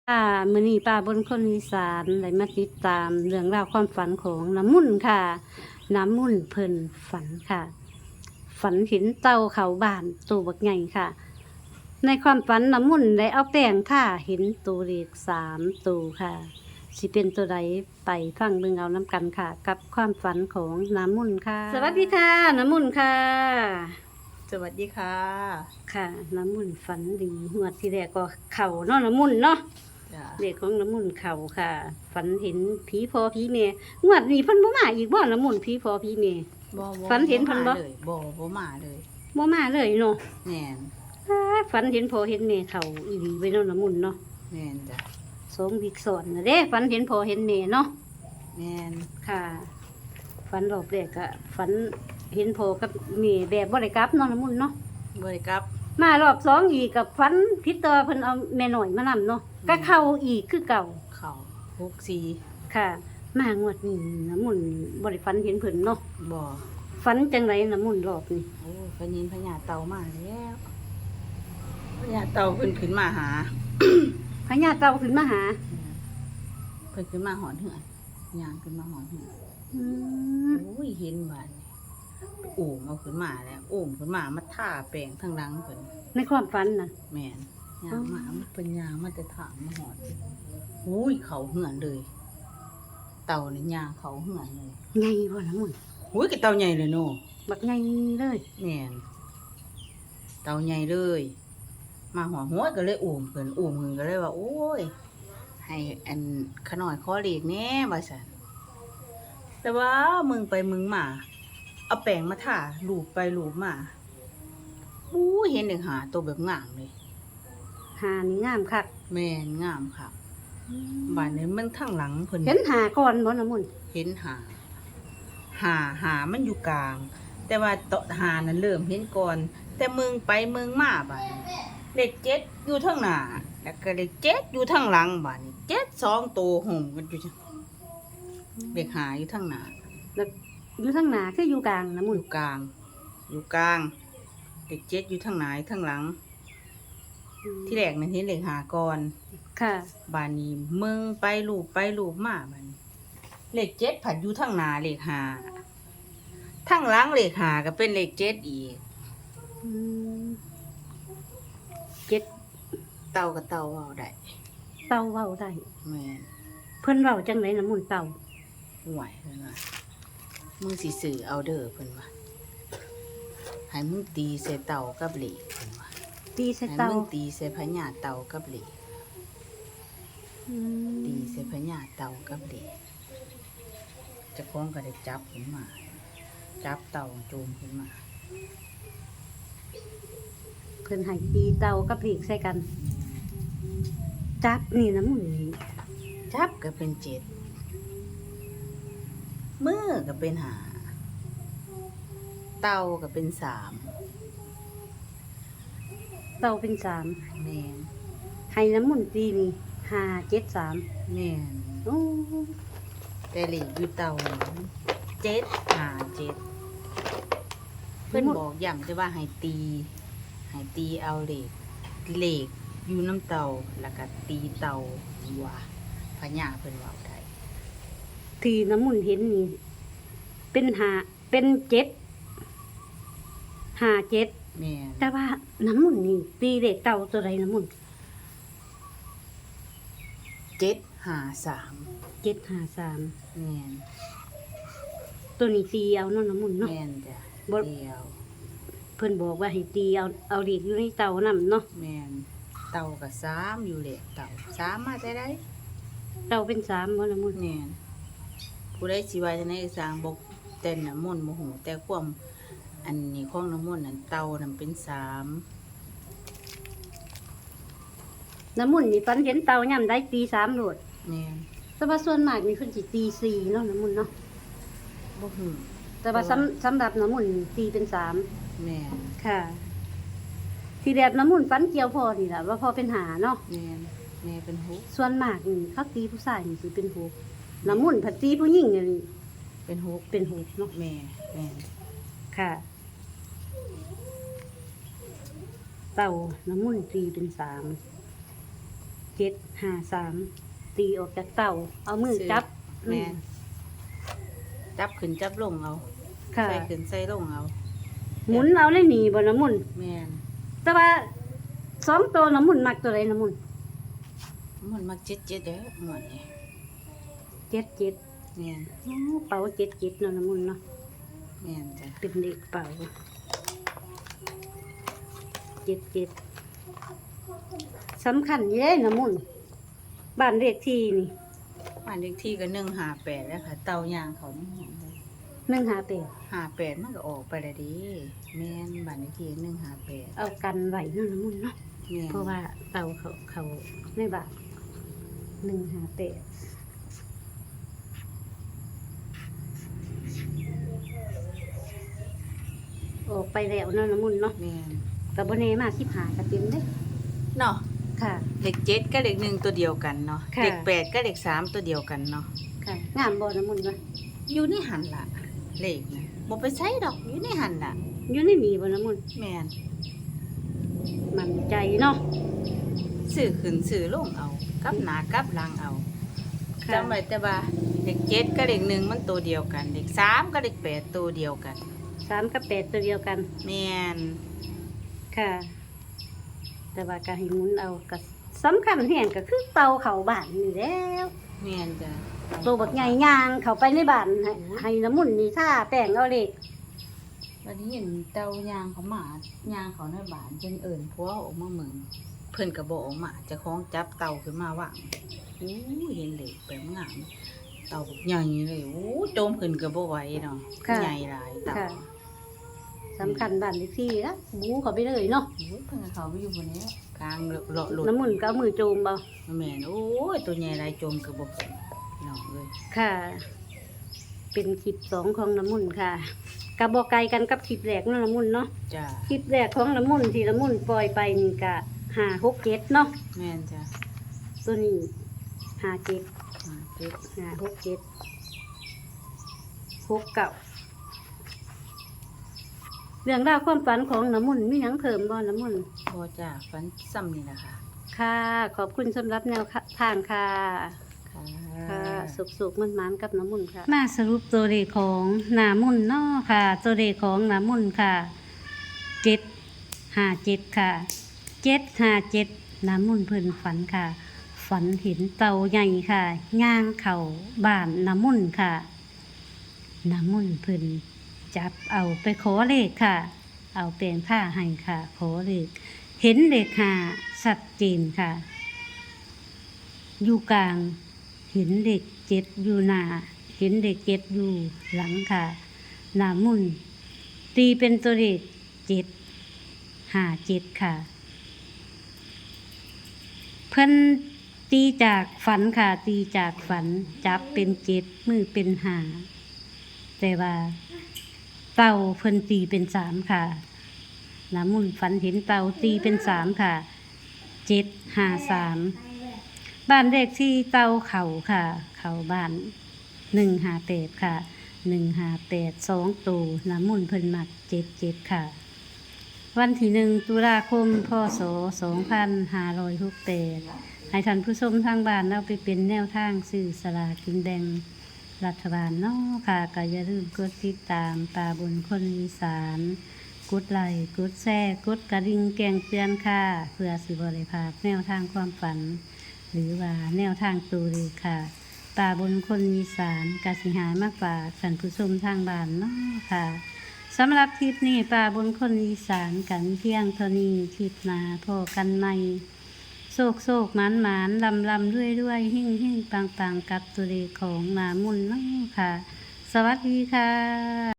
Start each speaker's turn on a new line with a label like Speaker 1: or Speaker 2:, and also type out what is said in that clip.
Speaker 1: มื้อนี้ป้าบนคนอีสานได้มาติดตามเรื่องราวความฝันของน้ำมุ่นค่ะ น้ำมุ่นเพิ่นฝันค่ะ ฝันเห็นเต่าเขาบ้านตัวบักใหญ่ค่ะ ในความฝันน้ำมุ่นได้เอาแป้งค่ะ เห็นตัวเลข3ตัวค่ะ สิเป็นตัวใดไปฟังเบิ่งเอาน้ำกันค่ะ กับความฝันของน้ำมุ่นค่ะ สวัสดีค่ะน้ำมุ่นค่ะ
Speaker 2: สวัสดีค่ะ
Speaker 1: ค่ะ น้ำมุ่นฝันดีงวดที่แรกก็เข่าเนาะน้ำมุ่นเนาะ
Speaker 2: จ้ะ
Speaker 1: เด็กของน้ำมุ่นเขาค่ะ ฝันเห็นผีพอผีเมย์งวดนี้เพิ่นบ่มาอีกบ่น้ำมุ่นผีพอผีเมย์
Speaker 2: บ่
Speaker 1: ฝันเห็นเพิ่นบ่
Speaker 2: มาเลยบ่มาเลย
Speaker 1: บ่มาเลยเนาะ
Speaker 2: แม่น
Speaker 1: ฝันเห็นพอเห็นเมย์เขาอีหลีไว้เนาะน้ำมุ่นเนาะ
Speaker 2: แม่นจ้ะ
Speaker 1: สมวิกสอนน่ะเด้ฝันเห็นพอเห็นเมย์เนาะ
Speaker 2: แม่น
Speaker 1: ค่ะฝันรอบแรกก็ฝันเห็นพอกับเมย์แบบบ่ได้กลับเนาะน้ำมุ่นเนาะ
Speaker 2: บ่ได้กลับ
Speaker 1: มารอบ2อีกกับฝันผิดตัวเพิ่นเอาแม่น้อยมานํเนาะก็เข้าอีกคือเก่า
Speaker 2: เข้า64
Speaker 1: ค่ะ มางวดนี้น้ำมุ่นบ่ได้ฝันเห็นเพิ่นเนาะ
Speaker 2: บ่
Speaker 1: ฝันจังไรน้ำมุ่นรอบนี้
Speaker 2: โอ้พญินพญาเต่ามาแล้วพญาเต่าเพิ่นขึ้นมาหา
Speaker 1: พญาเต่าขึ้นมาหา
Speaker 2: เพิ่นขึ้นมาหอนเหือนย่างขึ้นมาหอนเหือน
Speaker 1: อืม
Speaker 2: โอ้ยเห็นบาดนี้โอ้มเอาขึ้นมาแล้วโอ้มขึ้นมามาทาแป้งทางหลังเพิ่น
Speaker 1: ในความฝันน่ะ
Speaker 2: แม่นย่างมามันเป็นย่างมาแต่ถางมาหอนโอ้ยเขาเหือนเลย เต่านี่ย่างเขาเหือนเลย
Speaker 1: ไงบ่น้ำมุ่น
Speaker 2: หุ้ยกระเต่าใหญ่เลยโน่
Speaker 1: บักไงเลย
Speaker 2: แม่นเต่าใหญ่เลย มาหัวหัวก็เลยอุ้มเพิ่นอุ้มเพิ่นก็เลยว่า โอ้ย ให้อันขน่อยขอเลขแหน่ว่าซั่นแต่ว่ามึงไปมึงมาเอาแป้งมาทาลูบไปลูบมาอู้เห็นเด็กหาตัวแบบงามเลย
Speaker 1: หานี่งามคัก
Speaker 2: แม่นงามค่ะบ้านนี้มันทางหลังเพิ่น
Speaker 1: เห็นหาก่อนบ่น้ำมุ่น
Speaker 2: เห็นหามันอยู่กลาง แต่ว่าโตะหานั้นเริ่มเห็นก่อน แต่มึงไปมึงมาบัดนี้เลข7อยู่ทางหน้าแล้วก็เลข7อยู่ทางหลังบัดนี้7 2ตัวห่มกันอยู่จังเลขหาอยู่ทางหน้า
Speaker 1: แล้วอยู่ทางหน้าคืออยู่กลางน้ำ
Speaker 2: อ
Speaker 1: มุ่น
Speaker 2: ยู่กลาง อยู่กลางเลข7อยู่ทางหน้าทางหลัง ที่แรกนั้นเห็นเลขหาก่อน
Speaker 1: ค่ะ
Speaker 2: บัดนี้มึงไปลูบมาบัดนี้เลข7ผัดอยู่ทางหน้าเลขหาทางหลังเลขหาก็เป็นเลข7อีก
Speaker 1: อืมเจ็ด
Speaker 2: เต่ากับเต่าเว้าได้
Speaker 1: เต่าเว้าได้
Speaker 2: แม่น
Speaker 1: เพิ่นเว้าจังไรน้ำมุ่นเต่า
Speaker 2: ห่วยเพิ่นว่ามึงสิซื้อเอาเด้อเพิ่นว่าให้มึงตีใส่เต่ากับเหล็กเพิ่นว่า
Speaker 1: ตีใส่
Speaker 2: ให้
Speaker 1: เต่า
Speaker 2: มึงตีใส่พญาเต่ากับเหล็ก
Speaker 1: อืม
Speaker 2: ตีใส่พญาเต่ากับเหล็กเจ้าของก็ได้จับขึ้นมา จับเต่าจูงขึ้นมา
Speaker 1: เพิ่นให้ตีเต่ากับลีกใส่กัน จับนี่น้ำมุ่นนี่
Speaker 2: จับก็เป็น7มือก็เป็น5เต่าก็เป็น3
Speaker 1: เต่าเป็น3
Speaker 2: แม่น
Speaker 1: ให้น้ำมุ่นตีนี่573
Speaker 2: แม่น
Speaker 1: โอ้
Speaker 2: แต่เหล็กอยู่เต่า7 5 7เพิ่นบอกย้ำแต่ว่าให้ตีเอาเหล็กอยู่น้ำเต่าแล้วก็ตีเต่าว่าพญาเพิ่นเว้าได้
Speaker 1: ที่น้ำมุ่นเห็นนี่เป็นเป็น7 57
Speaker 2: แม่น
Speaker 1: แต่ว่าน้ำมุ่นนี่ตีเด็กเต่าตัวใดน้ำมุ่น
Speaker 2: 753
Speaker 1: 753
Speaker 2: แม่น
Speaker 1: ตัวนี้ตีเอาเนาะน้ำมุ่นเนาะ
Speaker 2: แม่นจ้ะ
Speaker 1: บ่
Speaker 2: เดียว
Speaker 1: เพิ่นบอกว่าให้ตีเอาเด็กอยู่ในเต่านํเนาะ
Speaker 2: แม่นเต่าก็3อยู่เหล็กเต่า3มาแต่ใด
Speaker 1: เต่าเป็น3บ่น้ำมุ่น
Speaker 2: แม่นผู้ใดสิว่าจังได๋สร้างบ่แต่น้ำมนต์บ่ฮู้แต่ความอันนี้ของน้ำมนต์นั่นเต่านั่นเป็น3
Speaker 1: น้ำมุ่นนี่ฝันเห็นเต่าย่ํได้ตี3โลด
Speaker 2: แม่น
Speaker 1: แต่ว่าส่วนมากนี่เพิ่นสิตี4เนาะน้ำมุ่นเนาะ
Speaker 2: บ่ฮู้
Speaker 1: แต่ว่าสำหรับน้ำมุ่นนี่ตีเป็น3
Speaker 2: แม่น
Speaker 1: ค่ะ ที่แรกน้ำมุ่นฝันเกี่ยวพ่อนี่ล่ะว่าพ่อเป็นหาเนาะ
Speaker 2: แม่นแม่เป็น6
Speaker 1: ส่วนมากนี่เขาตีผู้ชายนี่สิเป็น6น้ำมุ่นผัดตีผู้หญิงนี่
Speaker 2: เป็น6
Speaker 1: เป็น6เนาะ
Speaker 2: แม่แม่น
Speaker 1: ค่ะ เต่าน้ำมุ่นตีเป็น3 753ตีออกจากเต่าเอามือจับ
Speaker 2: แม่นจับขึ้นจับลงเอา
Speaker 1: ค่ะ
Speaker 2: ใส่ขึ้นใส่ลงเอา
Speaker 1: หมุนเอาเลยหนีบ่น้ำมุน
Speaker 2: แม่น
Speaker 1: แต่ว่า2ตัวน้ำมุนมักตัวใดน้ำมุน
Speaker 2: มันมักเจ็ดเด้อหมดนี่
Speaker 1: 77
Speaker 2: แม่น
Speaker 1: โอ้เป๋า77เนาะน้ำมุนเนาะ
Speaker 2: แม่นจ้ะ
Speaker 1: เป็นเด็กเป๋า77สำคัญอยู่เด้น้ำมุนบ้านเลขที่นี่
Speaker 2: บ้านเลขที่ก็158แล้วค่ะ เต่ายางเขานี่หยังเลย
Speaker 1: 158
Speaker 2: 58มันก็ออกไปแล้วดิแม่นบ้านเลขที่158
Speaker 1: เอากันไว้เนาะน้ำมุนเนาะ
Speaker 2: แม่น
Speaker 1: เพราะว่าเต่าเขาในบ้าน158ออกไปแล้วเนาะน้ำมุนเนาะ
Speaker 2: แม่น
Speaker 1: กับบ่แน่มา15ก็เต็มเด้
Speaker 2: เนาะ
Speaker 1: ค่ะ
Speaker 2: เลข7กับเลข1ตัวเดียวกันเนาะ
Speaker 1: ค่ะ
Speaker 2: เลข8กับเลข3ตัวเดียวกันเนาะ
Speaker 1: ค่ะงามบ่น้ำมุนวะ
Speaker 2: อยู่ในหันล่ะเลขนะบ่ไปใช้ดอกอยู่ในหันล่ะ
Speaker 1: อยู่ในนี่บ่น้ำมุน
Speaker 2: แม่น
Speaker 1: มั่นใจเนาะ
Speaker 2: ซื้อขึ้นซื้อลงเอากับหน้ากับหลังเอา
Speaker 1: ค่ะ
Speaker 2: จำไว้แต่ว่าเลข7กับเลข1มันตัวเดียวกันเลข3กับเลข8ตัวเดียวกัน
Speaker 1: 3กับ8ตัวเดียวกัน
Speaker 2: แม่น
Speaker 1: ค่ะ แต่ว่าก็ให้หมุนเอาก็สำคัญแห่งก็คือเตาเข้าบ้านนี่แล้ว
Speaker 2: แม่นจ้ะ
Speaker 1: ตัวบักใหญ่ย่างเข้าไปในบ้านให้น้ำมุนนี่ท่าแป้งเอาเลข
Speaker 2: วันนี้เห็นเต่ายางเขามายางเขาในบ้านจนเอิ้นผัวออกมาเหมือนเพิ่นก็บ่ออกมาเจ้าของจับเต่าขึ้นมาวางโอ้เห็นเลขแปลงงามเต่าบักใหญ่เลยโอ้โจมขึ้นก็บ่ไหวเนาะใหญ่หลายเต่า
Speaker 1: ค่ะสำคัญบ้านเลขที่นะบูเข้าไปเลยเนาะ
Speaker 2: โอ้ยเพิ่งเขาไปอยู่บนนี้กลางเลาะหลุด
Speaker 1: น้ำมุนก็เอามือโจมเบา
Speaker 2: แม่นโอ้ยตัวใหญ่หลายจมกระบอกเนาะเลย
Speaker 1: ค่ะ เป็นคลิป2ของน้ำมุนค่ะกับบ่ไกลกันกับคลิปแรกเนาะน้ำมุนเนาะ
Speaker 2: จ้า
Speaker 1: คลิปแรกของน้ำมุนที่น้ำมุนปล่อยไปนี่ก็567เนาะ
Speaker 2: แม่นจ้า
Speaker 1: ตัวนี้57
Speaker 2: มาเจ็บ
Speaker 1: 567 69เรื่องราวความฝันของน้ำมุนมีหยังเพิ่มบ่น้ำมุน
Speaker 2: พอจ้าฟันซ้ำนี่นะคะ
Speaker 1: ค่ะ ขอบคุณสำหรับแนวทางค่ะ
Speaker 2: ค่ะ
Speaker 1: ค่ะสุกๆมันๆกับน้ำมุนค่ะ มาสรุปตัวเลขของน้ำมุนเนาะค่ะ ตัวเลขของน้ำมุนค่ะ757ค่ะ757น้ำมุนเพิ่นฝันค่ะ ฝันเห็นเต่าใหญ่ค่ะย่างเข่าบ้านน้ำมุนค่ะน้ำมุนเพิ่นจับเอาไปขอเลขค่ะ เอาแปลงผ้าให้ค่ะ ขอเลขเห็นเลข5ชัดเจนค่ะ อยู่กลาง เห็นเด็ก7อยู่หน้า เห็นเด็ก7อยู่หลังค่ะน้ำมุนตีเป็นตัวเลข757ค่ะ เพิ่นตีจากฝันค่ะ ตีจากฝันจับเป็น7มือเป็น5แต่ว่าเต่าเพิ่นตีเป็น3ค่ะน้ำมุนฝันเห็นเต่าตีเป็น3ค่ะ753บ้านเลขที่เต่าเขาค่ะ เขาบ้าน158ค่ะ158 2ตัวน้ำมุนเพิ่นมัก77ค่ะ วันที่1ตุลาคมพศ2568ให้ท่านผู้ชมทางบ้านเอาไปเป็นแนวทางซื้อสลากกินแบ่งรัฐบาลเนาะค่ะก็อย่าลืมกดติดตามตาบนคนอีสานกดไลค์กดแชร์กดกระดิ่งแจ้งเตือนค่ะเพื่อสิบ่ได้พลาดแนวทางความฝัน หรือว่าแนวทางตัวเลขค่ะตาบนคนอีสานกสิหายมากฝากท่านผู้ชมทางบ้านเนาะค่ะ สำหรับคลิปนี้ป่าบนคนอีสานกันเพียงเท่านี้คลิปหนาพอกันใหม่โศกโศกหมานหมานลำลำด้วยด้วยหิ่งหิ่งปังปังกับตัวเลขของนามุนเนาะค่ะ สวัสดีค่ะ